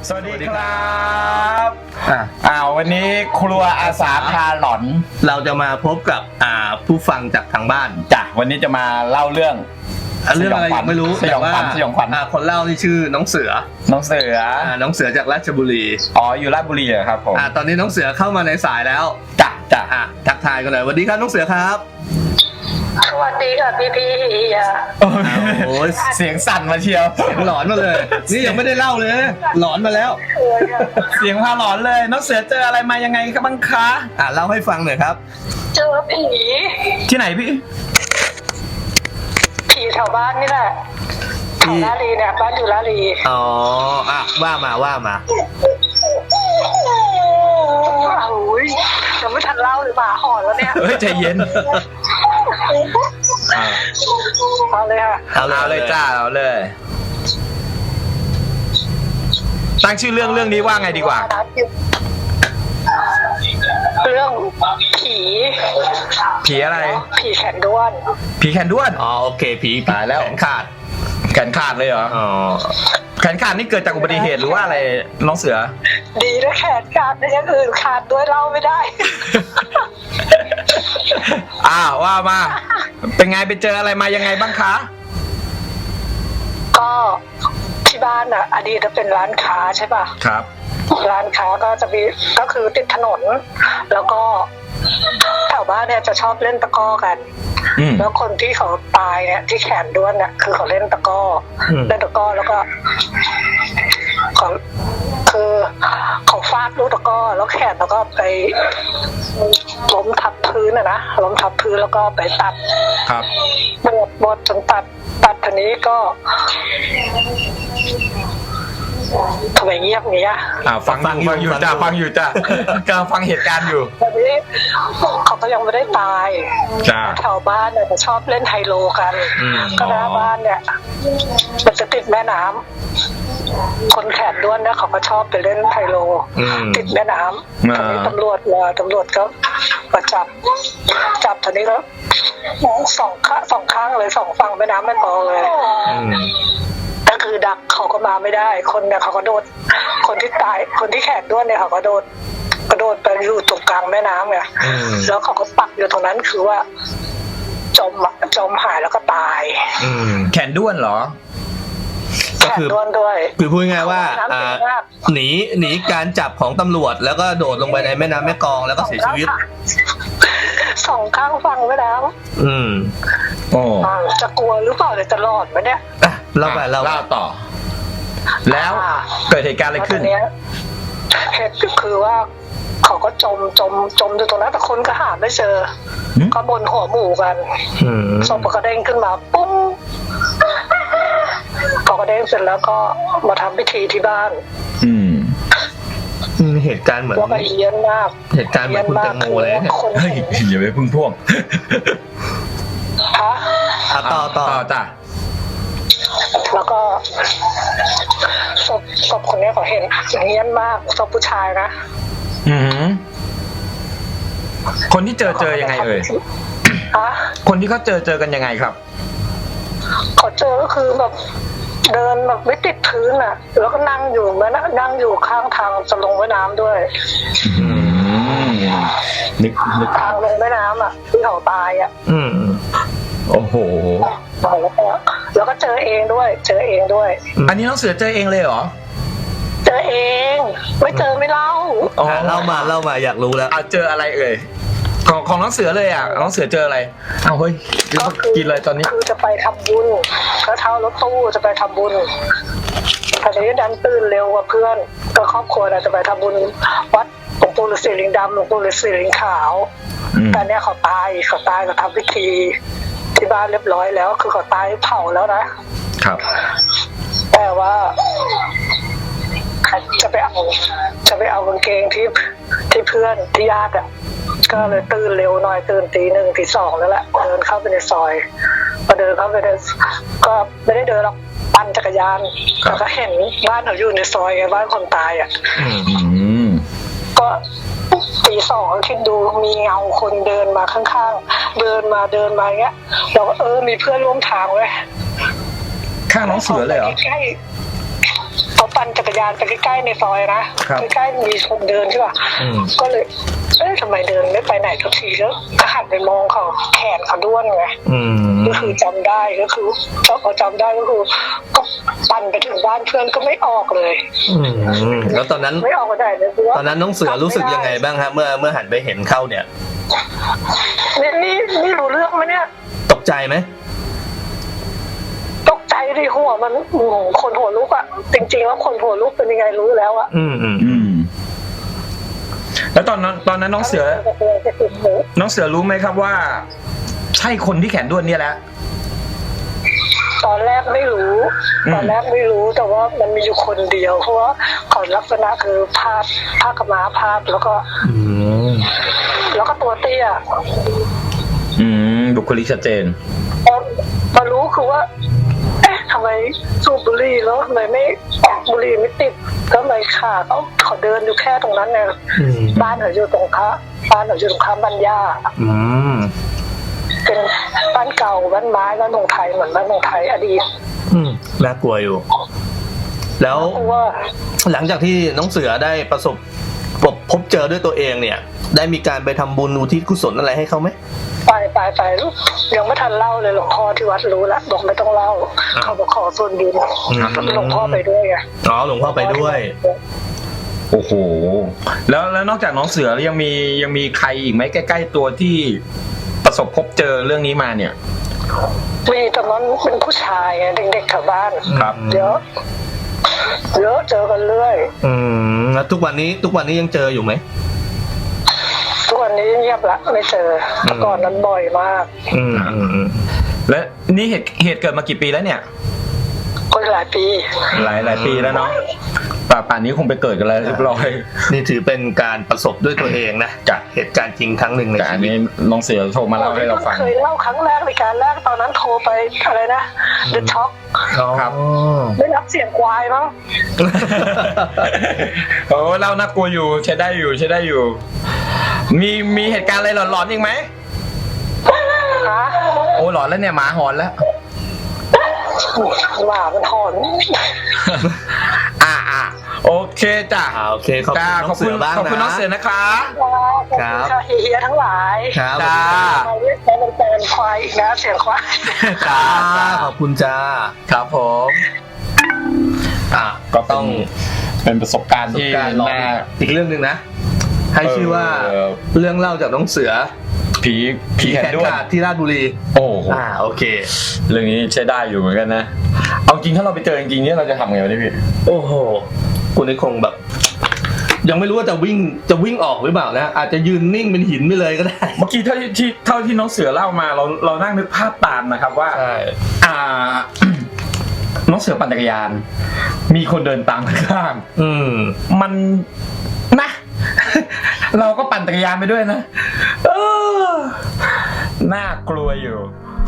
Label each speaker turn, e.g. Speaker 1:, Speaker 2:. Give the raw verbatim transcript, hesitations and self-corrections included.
Speaker 1: สวัสดีครับอ่าวันนี้ครัวอาสาพาหลอน
Speaker 2: เราจะมาพบกับอ่าผู้ฟังจากทางบ้าน
Speaker 1: จ้ะวันนี้จะมาเล่าเรื่อง
Speaker 2: เรื่องอะไรยังไม่รู้
Speaker 1: แต่ว่าสยองขวัญ
Speaker 2: คนเล่านี่ชื่อน้องเสือ
Speaker 1: น้องเสือ
Speaker 2: น้องเสือจากราชบุรี
Speaker 1: อ๋ออยู่ราชบุรีเหรอครับผม
Speaker 2: อ่าตอนนี้น้องเสือเข้ามาในสายแล้ว
Speaker 1: จ้ะจ้ะ
Speaker 2: อ่ะทักทายกันเลยสวัสดีครับน้องเสือครับ
Speaker 3: สวัสดีค่ะพี่พี่อ่ะ
Speaker 1: โอ้ยเสียงสั่นมาเชียว
Speaker 2: เสียงหลอนมาเลยนี่ยังไม่ได้เล่าเลยหลอนมาแล้ว
Speaker 1: เสียงพาหลอนเลยน้องเสือเจออะไรมายังไงครับบ้างคะ
Speaker 2: อ่ะเล่าให้ฟังหน่อยครับ
Speaker 3: เจอผี
Speaker 1: ที่ไหนพี่
Speaker 3: ผีแถวบ้านนี่แหละแถวลาลีเนี่ยบ้านอยู่ลาลี
Speaker 2: อ๋ออ่ะว่ามาว่ามา
Speaker 3: โอ้ยยังไม่ทันเล่าเลยหมาหอนแล้วเนี่ย
Speaker 1: เฮ้ยใจเย็น
Speaker 3: เอาเลยค่ะ
Speaker 1: เอาเลยจ้าเอาเลยตั้งชื่อเรื่องเรื่องนี้ว่าไงดีกว่า
Speaker 3: เรื่องผี
Speaker 1: ผีอะไร
Speaker 3: ผีแขนด้วน
Speaker 1: ผีแขนด้วน
Speaker 2: อ๋อโอเคผี
Speaker 1: ตายแล้ว
Speaker 2: แขนขาด
Speaker 1: แขนขาดเลยเหรออ๋อแขนขาดนี่เกิดจากอุบัติเหตุหรือว่าอะไรน้องเสือ
Speaker 3: ดีนะแขนขาดแต่ยังอื่นขาดด้วยเล่าไม่ได้
Speaker 1: อ้าวว่ามาเป็นไงไปเจออะไรมายังไงบ้างคะ
Speaker 3: ก็ที่บ้านอ่ะอดีตจะเป็นร้านค้าใช่ป่ะ
Speaker 1: ครับ
Speaker 3: ร้านค้าก็จะมีก็คือติดถนนแล้วก็แถวบ้านเนี่ยจะชอบเล่นตะก้อกันแล้วคนที่เขาตายเนี่ยที่แขนด้วนเนี่ยคือเขาเล่นตะก้อเล่นตะก้อแล้วก็เขาคือเขาฟาดลูกตะก้อแล้วแขนแล้วก็ไปล้มทับพื้นอะนะล้มทับพื้นแล้วก็ไปตัด
Speaker 1: ครับ
Speaker 3: บดบดจนตัดตัดทีนี้ก็ทำไมเงียบเงี้ย
Speaker 1: อ่าฟังฟังอยู่จ้าฟังอยู่จ้ากำลังฟังเหตุการณ์อยู่
Speaker 3: ตอนนี้เขาก็ยังไม่ได้ตาย
Speaker 1: จ้า
Speaker 3: แถวบ้านเนี่ยชอบเล่นไฮโลกันก็หน้าบ้านเนี่ยมันจะติดแม่น้ำคนแขนด้วนเนี่ยเขาก็ชอบไปเล่นไฮโลติดแม่น้ำตอนนี้ตำรวจมาตำรวจก็มาจับจับตอนนี้แล้วสองข้างสองข้างเลยสองฝั่งแม่น้ำแม่กลองเลยก็คือดักเขาก็มาไม่ได้คนเนี่ยเขาก็โดดคนที่ตายคนที่แขนด้วนเนี่ยเขาก็โดดกระโดดไปอยู่ตรงกลางแม่น้ำไงแล้วเขาก็ปักอยู่ตรงนั้นคือว่าจมจมหายแล้วก็ตาย
Speaker 1: แขนด้วนเหรอ
Speaker 3: แขนด้วนด้วย
Speaker 2: คือพูดง่ายว่าหนีหนีการจับของตำรวจแล้วก็โดดลงไปในแม่น้ำแม่กลองแล้วก็เสียชีวิต
Speaker 3: สองข้างฟังไว้แล้ว
Speaker 2: อืม
Speaker 1: โอ้
Speaker 3: จะกลัวหรือเปล่าจะรอดไหมเนี่ย
Speaker 2: เล่าไปเล่า
Speaker 1: ต่อแล้วเกิดเหตุการณ์อะไรขึ้น
Speaker 3: เหตุคือว่าเขาก็จมจมจมอยู่ตรงนั้นแต่คนก็หาไม่เจอก็บนหัวหมูกันศพก็เด้งขึ้นมาปุ้งเขาก็เด้งเสร็จแล้วก็มาทำพิธีที่บ้าน
Speaker 1: อืม
Speaker 2: เหตุการณ์เหมือน
Speaker 3: ว่าไปเยี่ยมมาก
Speaker 2: เหตุการณ์เหมือนคุณแตงโมเลย
Speaker 1: เฮ้ยอย่าไปพึ่งพ่วง
Speaker 3: ฮะ
Speaker 2: ต่อต่อ
Speaker 1: จ้ะ
Speaker 3: แล้วก็ศพศพคนนี้เขาเห็นอย่างเงี้ยมากศพผู้ชายนะ
Speaker 1: อือคนที่เจอเจอยังไงเอ่ย
Speaker 3: ฮะ
Speaker 1: คนที่เขาเจอเจอกันยังไงครับ
Speaker 3: เขาเจอก็คือแบบเดินแบบไม่ติดพื้นอ่ะแล้วก็นั่งอยู่แม่นะนั่งอยู่ข้างทางจะลงแม่น้ำด้วย
Speaker 1: นึกนึก
Speaker 3: ทางลงแม่น้ำอ่ะที่เขาตายอ่ะ
Speaker 1: อืมโอ้โห
Speaker 3: แล้วก็แล้วก็เจอเองด้วยเจอเองด้วย
Speaker 1: อันนี้น้องเสือเจอเองเลยเหรอ
Speaker 3: เจอเองไม่เจอไม่เล่า
Speaker 2: อ๋อเล่ามาเล่ามาอยากรู้แล้ว
Speaker 1: เจออะไรเอ่ยของของน้องเสือเลยอ่ะน้องเสือเจออะไรอ้าวเฮ้ยกินอะไรตอนนี้
Speaker 3: คือจะไปทำบุญก็เช่ารถตู้จะไปทำบุญแต่ทีนี้ดันตื่นเร็วกว่าเพื่อนก็ครอบครัวเราจะไปทำบุญวัดหลวงปู่ฤาษีลิงดำหลวงปู่ฤาษีลิงขาวแต่เนี้ยเขาตายเขาตายเขาทำพิธีที่บ้านเรียบร้อยแล้วคือเขาตายเผาแล้วนะครับแต่ว่าจะไปเอาจะไปเอากางเกงที่ที่เพื่อนที่ญาติอ่ะก็เลยตื่นเร็วหน่อยตื่นตีหนึ่งตีสองแล้วแหละเดินเข้าไปในซอยพอเดินเข้าไปในก็ไม่ได้เดินหรอกปั่นจักรยานแต่ก็เห็นบ้านเขาอยู่ในซอยไงบ้านคนตายอ่ะก็ตีสองคิดดูมีเงาคนเดินมาข้างๆเดินมาเดินมาเงี้ยเราก็เออมีเพื่อนร่วมทางเว้ย
Speaker 1: ข้างน้องเสือเลยเหรอ
Speaker 3: ใกล้เขาปั่นจักรยานไปใกล้ๆในซอยนะใกล้ๆมีคนเดินใช่ป่ะก็เลยเอ๊ะทำไมเดินไม่ไปไหนสักทีแล้วก็หันไปมองเขาแขนเขาด้วนไงก็คือจำได้ก็คือพอจำได้ก็คือก็ปั่นไปถึงบ้านเพื่อนก็ไม่ออกเลย
Speaker 2: แล้วตอนนั้น
Speaker 3: ไม่ออกมาได้เลย
Speaker 2: ตอนนั้นน้องเสือรู้สึกยังไงบ้างฮะเมื่อเมื่อหันไปเห็นเข้าเนี่ย
Speaker 3: นี่นี่นี่รู้เรื่องไหมเนี่ย
Speaker 2: ตกใจไหม
Speaker 3: ตกใจดิหัวมันคนหัวลุกอะจริงๆแล้วคนหัวลุกเป็นยังไงรู้แล้วอะ
Speaker 2: อืมอืมอืม
Speaker 1: แล้วตอนนั้นตอนนั้นน้องเสือน้องเสือรู้ไหมครับว่าใช่คนที่แขนด้วนเนี่ยแหละ
Speaker 3: ตอนแรกไม่รู้ตอนแรกไม่รู้แต่ว่ามันมีอยู่คนเดียวเพราะว่าเขาลักษณะคือพาดผ้ากระม้าพาดแล้วก็แล้วก็ตัวเตี้ย
Speaker 1: อืมบุคลิกชัดเจน
Speaker 3: มารู้คือว่าเอ๊ะทำไมสูบบุหรี่แล้วทำไมไม่บุหรี่ไม่ติดก็เลยขาเขาเขาเดินอยู่แค่ตรงนั้นเนี่ยบ้านเขาอยู่ตรงค้าบ้านเขาอยู่ตรงค้าบ้านย่าเป็นบ้านเก่าบ้านไม้บ้านเมืองไทยเหมือนบ้านเมืองไทยอดีต
Speaker 2: น่ากลัวอยู่แล้วหลังจากที่น้องเสือได้ประสบพบเจอด้วยตัวเองเนี่ยได้มีการไปทำบุญอุทิศกุศลอะไรให้เขาไหม
Speaker 3: ไปไปไปยังไม่ทันเล่าเลยหลวงพ่อที่วัดรู้แล้วบอกไม่ต้องเล่าเขาบอกขอส่วนบุญหลวงพ่อไปด้วยไง
Speaker 2: อ๋อหลวงพ่อไปด้วย
Speaker 1: โอ้โหแล้วแล้วนอกจากน้องเสือยังมียังมีใครอีกไหมใกล้ๆตัวที่ประสบพบเจอเรื่องนี้มาเนี่ย
Speaker 3: มีตอนนั้นเป็นผู้ชายไงเด็กๆแถวบ้าน
Speaker 1: ครับ
Speaker 3: เยอะเยอะเจอกันเรื่อย
Speaker 2: อืมแล้วทุกวันนี้ทุกวันนี้ยังเจออยู่ไหม
Speaker 3: ทุกวันนี้เงียบละไม่เจอเมื่อก่อนนั้นบ่อยมาก
Speaker 2: อืมอืม
Speaker 1: และนี่เหตุเหตุเกิดมากี่ปีแล้วเนี่ย
Speaker 3: ก็หลายปี
Speaker 1: หลายหลายปีแล้วเนาะป่าป่านนี้คงไปเกิดกันแล้วเรียบร้อย
Speaker 2: นี่ถือเป็นการประสบด้วยตัวเองนะจากเหตุการณ์จริงครั้งหนึ่งในชีวิต
Speaker 1: น้องเสือโทรมาเล่าให้เราฟัง
Speaker 3: เคยเล่าครั้งแรกในการแรกตอนนั้นโทรไปอะไรนะเดอะช็อค
Speaker 1: ครับ
Speaker 3: ไม่รับเสียงควายมั้ง
Speaker 1: โอ้เล่าน่ากลัวอยู่ใช้ได้อยู่ใช้ได้อยู่มีมีเหตุการณ์อะไรหลอนๆอีกไหม
Speaker 3: ฮะ
Speaker 1: โอ้หลอนแล้วเนี่ยหมาหอนแล้ว
Speaker 3: หมามันหอน
Speaker 1: อ่าอ่าโอเคจ้ะ
Speaker 2: โอเคขอบคุณน้องเสือบ้างนะ
Speaker 1: ขอบคุณน้องเสือนะคะ
Speaker 3: ครับเฮียทั้งหลาย
Speaker 2: ครับ
Speaker 1: จ้า
Speaker 3: มาเรียกแฟนแฟนควายอีกนะเสียงควาย
Speaker 2: จ้าขอบคุณจ้า
Speaker 1: ครับผมอ่ะก็ต้องเป็นประสบการณ์ที่น่า
Speaker 2: อีกเรื่องนึงนะให้ชื่อว่าเรื่องเล่าจากน้องเสือ
Speaker 1: ผีผีแขนด้วน
Speaker 2: ที่ราชบุรี
Speaker 1: โอ้
Speaker 2: อ่าโอเค
Speaker 1: เรื่องนี้ใช้ได้อยู่เหมือนกันนะเอาจริงถ้าเราไปเจอจริงๆเนี่ยเราจะทำไงวะพี่
Speaker 2: โอ้โหคุณนี่คงแบบยังไม่รู้ว่าจะวิ่งจะวิ่งออกหรือเปล่านะอาจจะยืนนิ่งเป็นหินไปเลยก็ได้
Speaker 1: เมื่อกี้เท่าที่เท่าที่น้องเสือเล่ามาเราเรานั่งนึกภาพตามนะครับว่าอ่าน้องเสือปั่นจักรยานมีคนเดินตามข้าง
Speaker 2: อืม
Speaker 1: มันนะเราก็ปั่นจักรยานไปด้วยนะเออน่ากลัวอยู่